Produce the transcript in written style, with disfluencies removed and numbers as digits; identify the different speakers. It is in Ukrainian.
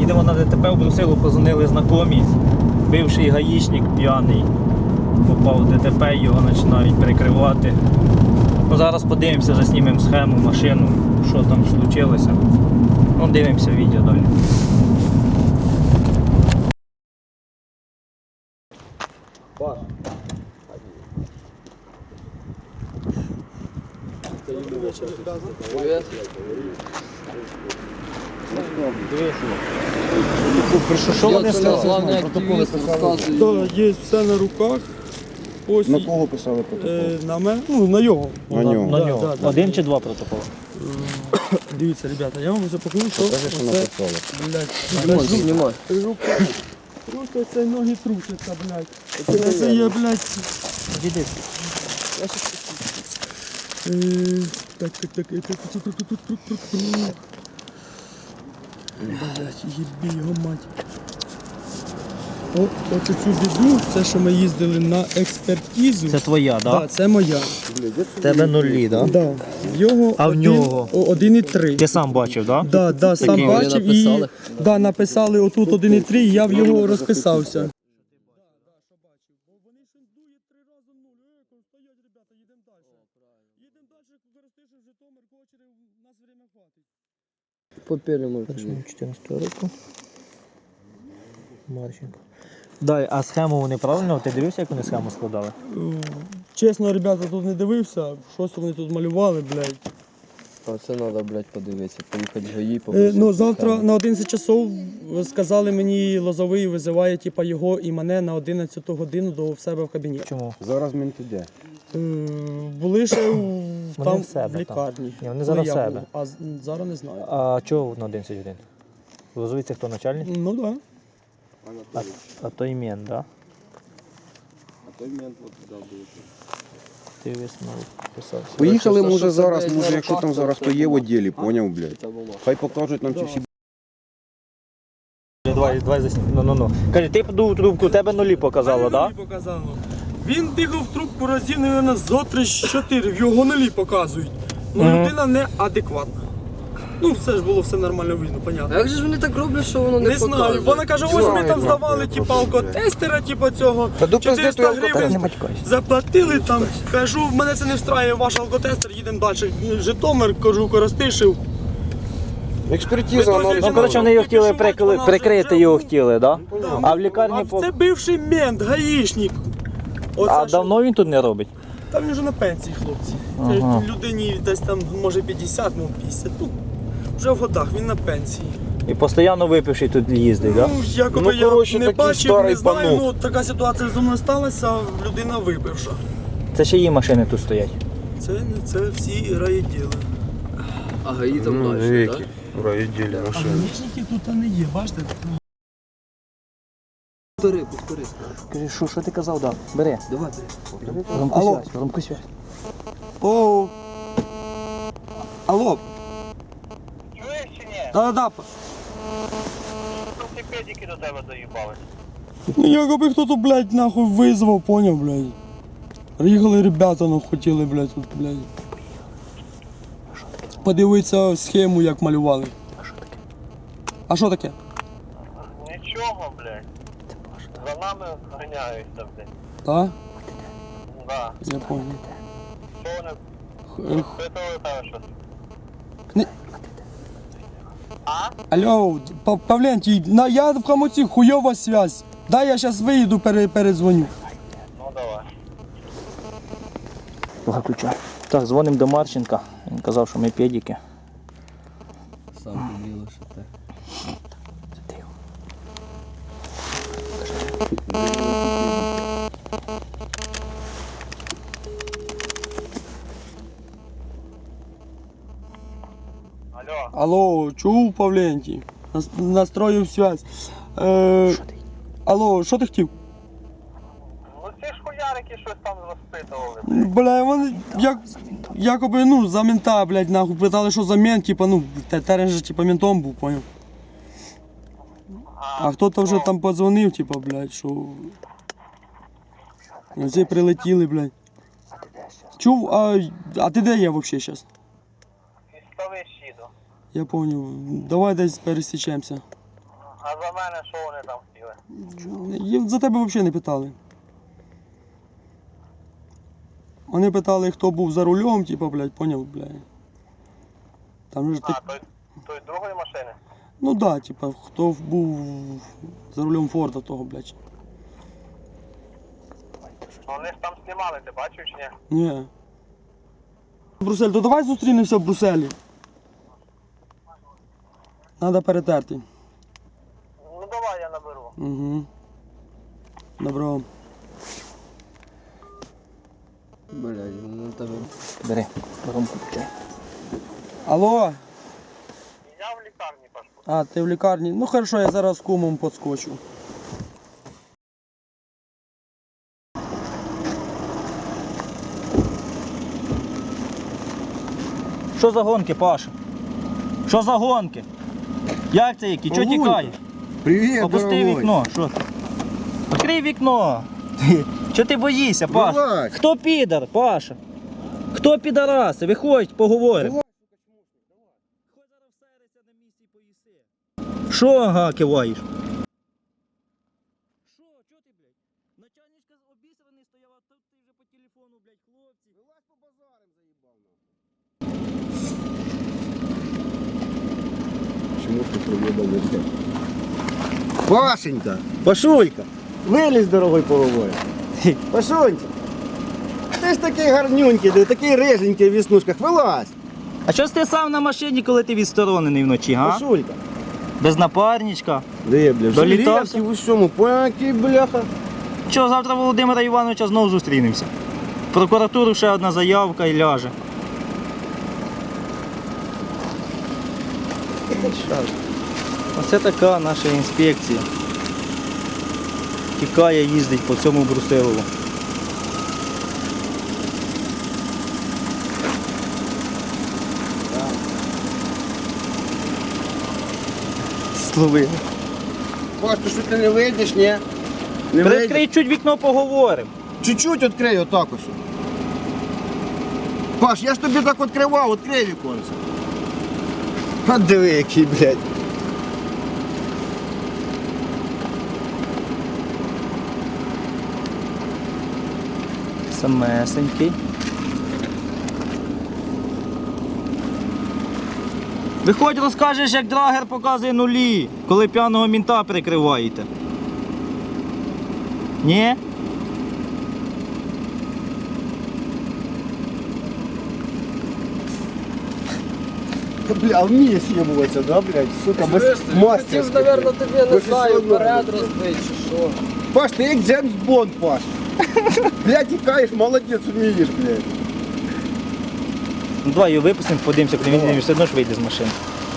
Speaker 1: їдемо на ДТП, в Брусилу позвонили знайомі. Бивший гаїчник п'яний попав в ДТП, його починають перекривати. Ну, зараз подивимося, заснімемо схему, машину, що там случилося. Ну, дивимося відео далі. Що вони сказали?
Speaker 2: Так, є все на руках. Ось
Speaker 3: На кого писали протокол?
Speaker 2: на мене, ну на нього.
Speaker 3: На нього.
Speaker 1: На нього.
Speaker 2: Да.
Speaker 1: Один чи два протоколи?
Speaker 2: Дивіться, ребята, я вам вже покажу, що
Speaker 3: Покажи, що
Speaker 2: оце,
Speaker 3: написали.
Speaker 2: блядь, знімай. Просто це ноги трусяться, блядь. Це є, блядь.
Speaker 1: Іди.
Speaker 2: Так. Блядь, їбі його мать. Оце цю біду, це що ми їздили на експертизу.
Speaker 1: Це твоя, так?
Speaker 2: Так, це моя.
Speaker 1: В тебе нулі, так?
Speaker 2: Да. Його
Speaker 1: А в нього?
Speaker 2: 1,3.
Speaker 1: Ти сам бачив, так?
Speaker 2: Да, сам
Speaker 1: Такі
Speaker 2: бачив і написали отут 1,3, і я в його розписався.
Speaker 4: Попілимо.
Speaker 1: 14 року. Марченко. Дай, а схему вони правильно? Ти дивився, як вони схему складали?
Speaker 2: Чесно, ребята, тут не дивився, щось вони тут малювали, блядь.
Speaker 4: А це треба, блядь, подивитися, поїхати в ГАІ,
Speaker 2: Ну, завтра на 11 часов сказали мені, Лозовий визиває типа, його і мене на 11 годину до в себе в кабінет.
Speaker 1: Чому?
Speaker 3: Зараз мінти де?
Speaker 2: Були ще там
Speaker 1: в себе,
Speaker 2: в лікарні.
Speaker 1: Ні, вони зараз
Speaker 2: я
Speaker 1: в себе.
Speaker 2: був, а зараз не знаю.
Speaker 1: А чого на 11 годин? Лозовий це хто начальник?
Speaker 2: Ну так. Да.
Speaker 1: А той мент, так?
Speaker 3: А той мент от туди був.
Speaker 1: Ти висновок писав.
Speaker 3: Поїхали,
Speaker 4: Що
Speaker 3: може
Speaker 4: це,
Speaker 3: зараз,
Speaker 4: блядь,
Speaker 3: може
Speaker 4: на
Speaker 3: якщо
Speaker 4: руках,
Speaker 3: там
Speaker 4: то
Speaker 3: зараз хто є в відділі, поняв, блядь.
Speaker 4: Та бумага.
Speaker 3: Хай покажуть нам ці всі.
Speaker 1: Давай заснімемо. Ну. Каже, ти подув трубку, у тебе нулі показало, так?
Speaker 2: Нулі показало. Він дихав в трубку разів, мабуть, зо 3-4, в його нулі показують. Ну, людина неадекватна. Ну, все ж було все нормально видно,
Speaker 4: А
Speaker 2: понятно.
Speaker 4: як же ж вони так роблять, що воно не
Speaker 2: Не знаю,
Speaker 4: показує?
Speaker 2: вона каже, ось ми там здавали типу, алкотестера, типу цього, 400 гривень заплатили там, кажу, мене це не встраює ваш алкотестер, їдемо далі. Житомир, кажу, Коростишів.
Speaker 3: Експертиза,
Speaker 2: Ну,
Speaker 3: аналіз.
Speaker 1: Ну, коротше, вони його хотіли прикрити, його хотіли, так?
Speaker 2: Да.
Speaker 1: А в лікарні...
Speaker 2: А це бивший мент, гаїшник. Оце
Speaker 1: А
Speaker 2: що-
Speaker 1: давно він тут не робить?
Speaker 2: Там він вже на пенсії, хлопці.
Speaker 1: Ага.
Speaker 2: Це людині десь там, може 50, може 50. Ну, вже в годах, він на пенсії.
Speaker 1: І постійно випивший тут їздить, так?
Speaker 2: Ну, якоби
Speaker 3: Ну, коротше,
Speaker 2: я не
Speaker 3: такий
Speaker 2: бачив,
Speaker 3: старий
Speaker 2: не знаю,
Speaker 3: панук.
Speaker 2: ну така ситуація зі мною сталася, людина випивша.
Speaker 1: Це ще її машини тут стоять.
Speaker 2: Це всі райділи.
Speaker 4: А ГАІ там далі, так?
Speaker 2: А граничники тут не є, бачите?
Speaker 4: Повтори.
Speaker 1: Скажи, що ти казав, да? Бери.
Speaker 4: Давай.
Speaker 1: Громку связь.
Speaker 2: О. Алло.
Speaker 5: Чуєш чи ні?
Speaker 2: Да.
Speaker 5: Ці педики до тебе доїбали.
Speaker 2: Ну якоби хто тут, блядь, нахуй визвав, поняв, блядь. Приїхали ребята, ну хотіли, блядь, тут, блядь. Подивитися схему, як малювали. А що таке?
Speaker 5: Нічого, блядь. За нами ганяються, блядь.
Speaker 2: Так?
Speaker 5: Да.
Speaker 2: Я понял.
Speaker 5: Що вони впитували там щось?
Speaker 2: Не-
Speaker 5: А?
Speaker 2: Алло, Павлентій, я в Хамуці, хуйова связь. Дай я зараз виїду, передзвоню.
Speaker 5: Ну давай.
Speaker 1: Виключай. Так, дзвонимо до Марченка. Він казав, що ми педики.
Speaker 4: Сам поділо, що так.
Speaker 5: Алло.
Speaker 2: Алло, чув, Павлентій? Настроїв связь. Алло, що ти хотів?
Speaker 5: Ну ці ж хуярики щось там розпитували.
Speaker 2: Бля, вони якоби, ну, за мента, блядь, нахуй, питали, що за мент, типа, ну, терен же, типа, ментом був, поняв. А хто-то вже там подзвонив, типа, блядь, що... Оці прилетіли, блядь. Чув, а ти де є взагалі зараз?
Speaker 5: Із Ставищ їду.
Speaker 2: Я поняв. Давай десь пересічемося.
Speaker 5: А за мене що вони там хотіли?
Speaker 2: За тебе взагалі не питали. Вони питали, хто був за рулем, типа, блядь, поняв, блядь. Там же
Speaker 5: А,
Speaker 2: так.
Speaker 5: той другої машини?
Speaker 2: Ну да, типа, хто був за рулем Форда того, блядь.
Speaker 5: Вони ж там знімали, ти бачив чи ні?
Speaker 2: Ні. Брюссель, то давай зустрінемося в Брюсселі. Надо перетерти.
Speaker 5: Ну давай я наберу.
Speaker 2: Угу. Добро.
Speaker 4: Блядь, ну тебе.
Speaker 1: Бери, воронку включай.
Speaker 2: Алло?
Speaker 5: Я в лікарні пашку.
Speaker 2: А, ти в лікарні? Ну хорошо, я зараз з кумом подскочу.
Speaker 1: Що за гонки, Паша? Що за гонки? Як це які? Чого
Speaker 3: Павлуйка.
Speaker 1: тікаєш?
Speaker 3: Привет,
Speaker 1: Опусти
Speaker 3: дорогой.
Speaker 1: вікно, що ти? Відкрий вікно. Чого ти боїшся, Паш?
Speaker 3: Вилазь.
Speaker 1: Хто підар, Паша? Хто підараси? Виходь, поговоримо. Що ага, киваєш? Що? Чого ти, блядь? Начальничка обісраний стояла, а тут ти вже по телефону, блядь, хлопці. Вилазь по базарам, заїбав.
Speaker 3: Чему ты приедал в Пашенька, Пашулька, вилізь, дорогой, поговоримо. Пашунька, ти ж такий гарнюнький, ти такий риженький в віснушках, вилазь.
Speaker 1: А що ж ти сам на машині, коли ти відсторонений вночі, га?
Speaker 3: Пашулька.
Speaker 1: Без напарничка.
Speaker 3: Де, бля,
Speaker 1: Долітався?
Speaker 3: в усьому, поняки, бляха.
Speaker 1: Що, завтра Володимира Івановича знову зустрінемося. В прокуратуру ще одна заявка і ляже. Оце така наша інспекція. Тікає, їздить по цьому Брусилову. Словили.
Speaker 3: Паш, ти що ти не вийдеш, ні? Не вийдеш?
Speaker 1: Відкрий чуть вікно, поговоримо.
Speaker 3: Чуть-чуть відкрий, отак ось. Паш, я ж тобі так відкривав, відкрий віконце. А диви, який, блядь.
Speaker 1: Самесенький. Виходь, розкажеш, як драгер показує нулі, коли п'яного мінта прикриваєте. Ні?
Speaker 3: Бля, вміє з'єбуватися, да, блядь? Сука, без
Speaker 4: Хотів,
Speaker 3: мастерськи.
Speaker 4: наверно, тобі, не знаю,
Speaker 3: Професіонал.
Speaker 4: вперед розбити чи що.
Speaker 3: Паш, ти як Джеймс Бонд, Паш. Блядь, тікаєш, молодець, вмієш, блядь.
Speaker 1: Ну давай його випустимо, подивимося, коли він все одно ж вийде з машини.